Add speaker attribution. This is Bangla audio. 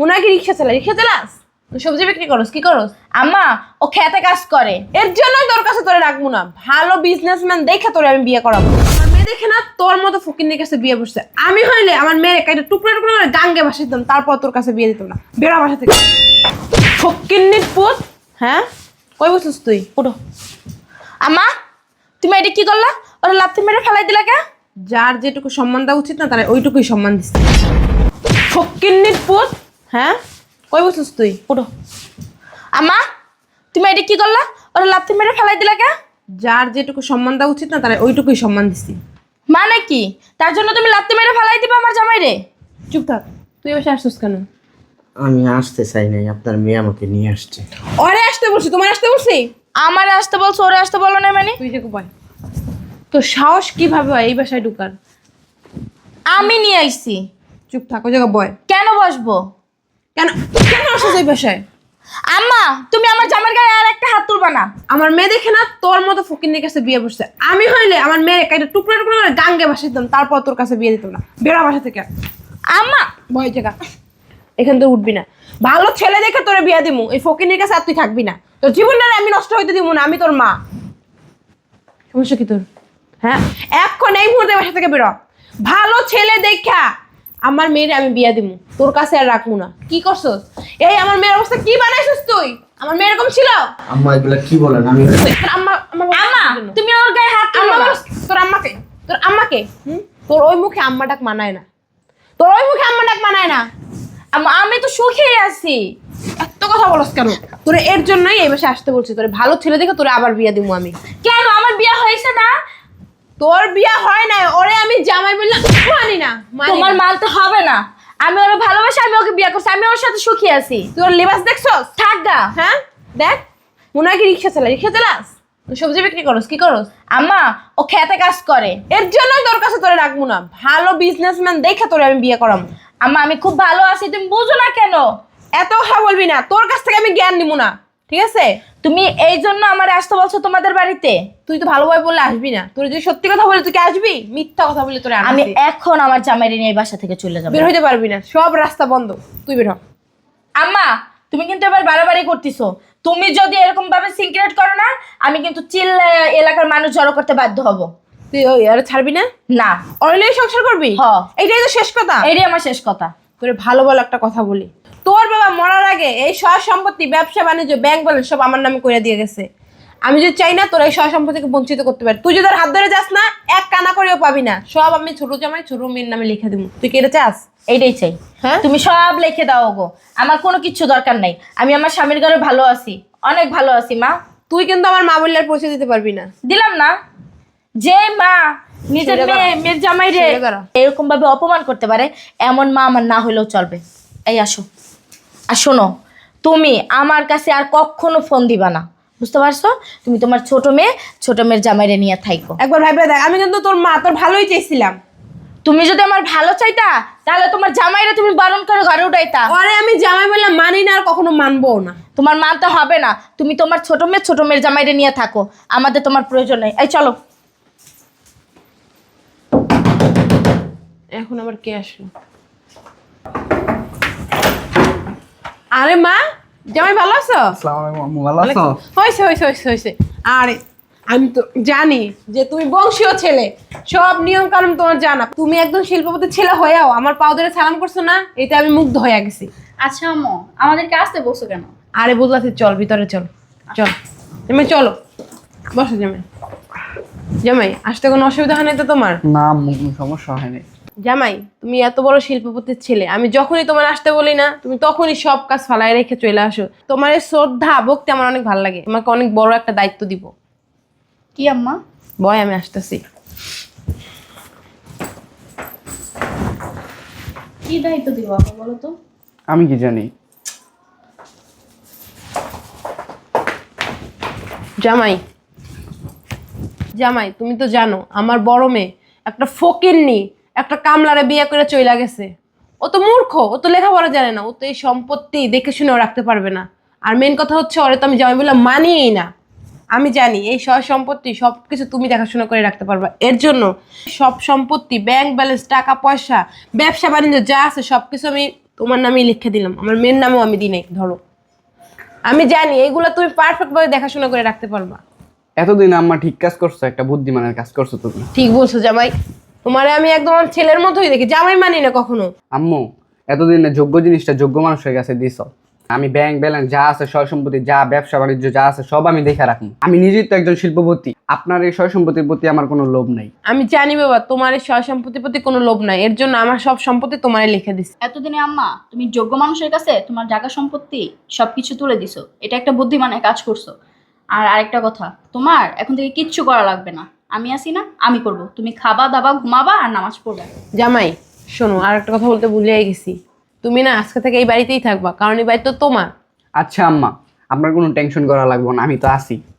Speaker 1: মনে হয় কি রিক্সা চালাস? সবজি বিক্রি করস? কি করস?
Speaker 2: আম্মা ও খেতে কাজ করে।
Speaker 1: এর জন্যই তোর কাছে তোরে রাখবো না। ভালো বিজনেসম্যান দেখে তোরে আমি বিয়ে করাবো। আমার মেয়ে দেখে না তোর মতো ফকিন্নির কাছে বিয়ে বসছে। আমি হইলে আমার মেয়ের একটা টুকরো টুকরো করে গাঙ্গে বাসা দিতাম, তারপর তোর কাছে বিয়ে দিতাম না। বেড়া বাসা থেকে ফকিন্নির পুত। হ্যাঁ, কই বসছিস তুই?
Speaker 2: উঠো। আম্মা তুমি এটা কি করলা? ওরা লাথি মেরে ফেলাই দিলা কে?
Speaker 1: যার যেটুকু সম্মান দেওয়া উচিত না তার ওইটুকুই সম্মান দিচ্ছে। ফকিন্নির পুত। হ্যাঁ, কই বসছিস তুই?
Speaker 2: উঠো। আম্মা তুমি এটা কি করলা? ওরা লাথি মেরে ফেলাই দিলা কে?
Speaker 1: যার যেটুকু সম্মান দেওয়া উচিত না তার ওইটুকুই সম্মান দিচ্ছি।
Speaker 2: মানে কি? তার জন্য তুমি লাথি মেরে ফেলাই দিবা আমার জামাইরে?
Speaker 1: চুপ থাক। তুই এসে আসছিস কেন?
Speaker 3: আমি আসতে চাই নাই, আপনার মেয়ে আমাকে নিয়ে আসছে।
Speaker 1: ওরে আসতে বলছি, তোমার আসতে বলছি?
Speaker 2: আমার আসতে বলছো, ওরে আসতে বলো না মানে?
Speaker 1: তুই যে কোপায় তোর সাহস কিভাবে হয় এই বাসায় ঢুকার?
Speaker 2: আমি নিয়ে আইছি।
Speaker 1: চুপ থাক, ওই জায়গায় বয়।
Speaker 2: কেন বসবো?
Speaker 1: কেন কেন আসছিস এই বাসায়?
Speaker 2: আম্মা তুমি আমার জামার গায়ে আর একটা হাত তুলবা না।
Speaker 1: আমার মেয়ে দেখে না তোর মতো ফকিন্নির কাছে বিয়ে বসছে। আমি হইলে আমার মেয়ের একটা টুকরো টুকরো করে গাঙ্গে বাসা দিতাম, তারপর তোর কাছে বিয়ে দিতাম না। বেড়া বাসা থেকে।
Speaker 2: আম্মা
Speaker 1: বয় জায়গা, এখান থেকে উঠবি না। ভালো ছেলে দেখে তোরে বিয়ে দিমু, এই ফকিন্নির কাছে আর তুই থাকবি না। তোর জীবনটা আমি নষ্ট হইতে দিব না। আমি তোর মা। সমস্যা কি তোর? হ্যাঁ, এখন এই মুহূর্তে বাসা থেকে বেরো। ভালো ছেলে দেখা আমার মেয়ের আমি বিয়া দিমু, তোর কাছে আর রাখবো না। কি করছস? এই আমার মেয়ের অবস্থা কি বানাইছিস তুই? আমার মেয়ে এরকম ছিল?
Speaker 3: আম্মা এগুলা কি বলেন? আমি
Speaker 1: আম্মা
Speaker 2: আম্মা তুমি ওর গায়ে হাত তুলো না।
Speaker 1: তোর আম্মাকে, তোর আম্মাকে তোর ওই মুখে আম্মা ডাক মানায় না। তোর ওই মুখে আম্মা ডাক মানায় না।
Speaker 2: আম্মা আমি তো সুখেই আছি।
Speaker 1: এত কথা বলস কেন? তোরে এর জন্যই এই বাসায় আসতে বলছি। তোরে ভালো ছেলে দেখে তোরে আবার বিয়া দিমু আমি।
Speaker 2: কেন আমার বিয়ে হয়েছে না?
Speaker 1: তোর বিয়া হয় না, ওরে আমি জামাই বললাম মানি না।
Speaker 2: তোমার মানতে হবে না। আমি ওরে ভালোবাসি, আমি ওকে বিয়ে করছি, আমি ওর সাথে সুখী আছি।
Speaker 1: তোর লেবাস দেখছস?
Speaker 2: থাক গা।
Speaker 1: হ্যাঁ দেখ, মনে হয় কি রিক্সা চালাস? সবজি বিক্রি করস? কি করস?
Speaker 2: আম্মা ও খেতে কাজ করে।
Speaker 1: এর জন্যই তোর কাছে তোরে রাখবো না। ভালো বিজনেসম্যান দেখে তোরে আমি বিয়ে করাবো।
Speaker 2: আম্মা আমি খুব ভালো আছি, তুমি বুঝো না কেন?
Speaker 1: এত কথা বলবি না, তোর কাছ থেকে আমি জ্ঞান নিবো না, ঠিক আছে?
Speaker 2: তুমি এই জন্য আমার আসতে বলছো তোমাদের বাড়িতে?
Speaker 1: তুই তো ভালোভাবে বললে আসবি না। তোর যদি সত্যি কথা বলে তুই কি আসবি? মিথ্যা কথা বলে তোরে
Speaker 2: আমি এখন আমার জামাইরে নিয়ে এই বাসা থেকে চলে যাবো।
Speaker 1: বের হইতে পারবি না, সব রাস্তা বন্ধ। তুই বের হ।
Speaker 2: আম্মা তুমি কিন্তু এবার বাড়াবাড়ি করতেছো। তুমি যদি এরকম ভাবে সিক্রেট করো না, আমি কিন্তু চিল্লা এলাকার মানুষ জড়ো করতে বাধ্য হব।
Speaker 1: তুই ওই আর ছাড়বি না?
Speaker 2: না।
Speaker 1: অনলাইনে সংসার করবি?
Speaker 2: হ।
Speaker 1: এইটাই তো শেষ কথা।
Speaker 2: এটাই আমার শেষ কথা।
Speaker 1: তোরে ভালো ভালো একটা কথা বলি। তোর বাবা মরার আগে এই সয় সম্পত্তি, ব্যবসা বাণিজ্য, ব্যাংক ব্যালেন্স সব আমার নামে করে দিয়ে গেছে। আমি যদি চাই না তোর এই সয় সম্পত্তিকে বঞ্চিত করতে পারি। তুই যদি আর হাত ধরে যাস না, এক কানা করেও পাবি না। সব আমি ছোট জামাই ছোট মেয়ের নামে লিখে দিব। তুই কি এটা চাস?
Speaker 2: এইটাই চাই।
Speaker 1: হ্যাঁ?
Speaker 2: তুমি সব লিখে দাও গো। আমার কোনো কিছু দরকার নাই। আমি আমার স্বামীর ঘরে ভালো আছি, অনেক ভালো আছি মা।
Speaker 1: তুই কিন্তু আমার মা বললে আর পরিচয় দিতে পারবি না।
Speaker 2: দিলাম না। যে মা নিজের
Speaker 1: সরে দাঁড়া।
Speaker 2: মেয়ের জামাই রে
Speaker 1: সরে দাঁড়া।
Speaker 2: এরকম ভাবে অপমান করতে পারে, এমন মা আমার না হলেও চলবে। এই আসো। আর শোনো, তুমি আমার কাছে আর কখনো ফোন দিবা না, বুঝতে পারছো? তুমি তোমার ছোট মেয়ের জামাইরে নিয়ে থাইকো।
Speaker 1: একবার ভাইবে দেখ, আমি কিন্তু তোর মা, তোর ভালোই চেয়েছিলাম।
Speaker 2: তুমি যদি আমার ভালো চাইতা, তাহলে তোমার জামাইরে তুমি বারণ করে ঘরে উঠাইতা।
Speaker 1: আরে আমি জামাই বললাম মানি না, আর কখনো মানবো না।
Speaker 2: তোমার মানতে হবে না। তুমি তোমার ছোট মেয়ের জামাইরে নিয়ে থাকো, আমাদের তোমার প্রয়োজন নেই। এই চলো।
Speaker 1: এখন আবার কে আসলো? আরে মা, জামাই ভালো আছো?
Speaker 3: আসসালামু আলাইকুম আম্মু, ভালো আছো?
Speaker 1: হয়েছে। আরে আমি তো জানি যে তুমি বংশীয় ছেলে, সব নিয়ম কানুন তোমার জানা। তুমি একদম শিল্পপতি ছেলে হয়েও আমার পাও ধরে সালাম করছো না, এতে আমি মুগ্ধ হয়ে গেছি।
Speaker 4: আচ্ছা আম্মু, আমাদেরকে আসতে বসো কেন?
Speaker 1: আরে বুঝলাছি, চল ভিতরে চল। জামাই চলো, বসো জামাই। জামাই আসতে কোনো অসুবিধা হয় না তো তোমার?
Speaker 3: না আম্মু, কোনো সমস্যা হয়নি।
Speaker 1: জামাই তুমি এত বড় শিল্পপতির ছেলে, আমি যখনই তোমার আসতে বলি না, তুমি তখনই সব কাজ ফালাই রেখে চলে আসো। তোমার এই শ্রদ্ধা ভক্তি আমার অনেক ভালো লাগে। তোমাকে অনেক বড় একটা দায়িত্ব দিব।
Speaker 4: কি আম্মা?
Speaker 1: বয় আমি আসতেছি।
Speaker 4: কি দায়িত্ব দিব আপা বলো তো?
Speaker 3: আমি কি জানি?
Speaker 1: জামাই তুমি তো জানো আমার বড় মেয়ে একটা ফকিন্নি, একটা কামলারে বিয়ে করে চইলা গেছে। ও তো মূর্খ, ও তো লেখাপড়া জানে না, ও তো এই সম্পত্তি দেখে শুনেও রাখতে পারবে না। আর মেন কথা হচ্ছে ওরে তো আমি জামাই বললাম মানিয়েই না। আমি জানি এই সয় সম্পত্তি সবকিছু তুমি দেখাশোনা করে রাখতে পারবা। এর জন্য সব সম্পত্তি, ব্যাংক ব্যালেন্স, টাকা পয়সা, ব্যবসা বাণিজ্য যা আছে সবকিছু আমি তোমার নামেই লিখে দিলাম, আমার মেয়ের নামেও আমি দিই নাই। ধরো, আমি জানি এইগুলো তুমি পারফেক্ট ভাবে দেখাশোনা করে রাখতে পারবা।
Speaker 5: এতদিন আম্মা ঠিক কাজ করছো, একটা বুদ্ধিমানের কাজ করছো তুমি।
Speaker 1: ঠিক বলছো জামাই, তোমারে আমি একদম আমার ছেলের মতোই দেখি, জামাই মানি না কখনো।
Speaker 5: আম্মু এতদিনে যোগ্য জিনিসটা যোগ্য মানুষের কাছে দিছ। আমি ব্যাংক ব্যালেন্স যা আছে, সয় সম্পত্তি যা, ব্যবসা বাণিজ্য যা আছে সব আমি দেখে রাখবো। আমি নিজেই তো একজন শিল্পপতি, আপনার এই সয় সম্পত্তির প্রতি আমার কোনো লোভ নাই।
Speaker 1: আমি জানি বাবা তোমার এই সয় সম্পত্তির প্রতি কোনো লোভ নাই, এর জন্য আমার সব সম্পত্তি তোমারে লিখে দিছি।
Speaker 4: এতদিনে আম্মা তুমি যোগ্য মানুষের কাছে তোমার জায়গা সম্পত্তি সবকিছু তুলে দিছো, এটা একটা বুদ্ধিমানের কাজ করছো। আর আরেকটা কথা, তোমার এখন থেকে কিচ্ছু করা লাগবে না, আমি আছি না, আমি করব। তুমি খাবা দাবা ঘুমাবা আর নামাজ পড়বা।
Speaker 1: জামাই শোনো, আর একটা কথা বলতে ভুলিয়ে গেছি, তুমি না আজকে থেকে এই বাড়িতেই থাকবা, কারণ এই বাড়ি তো তোমার।
Speaker 5: আচ্ছা আম্মা, আপনার কোনো টেনশন করা লাগবে না, আমি তো আছি।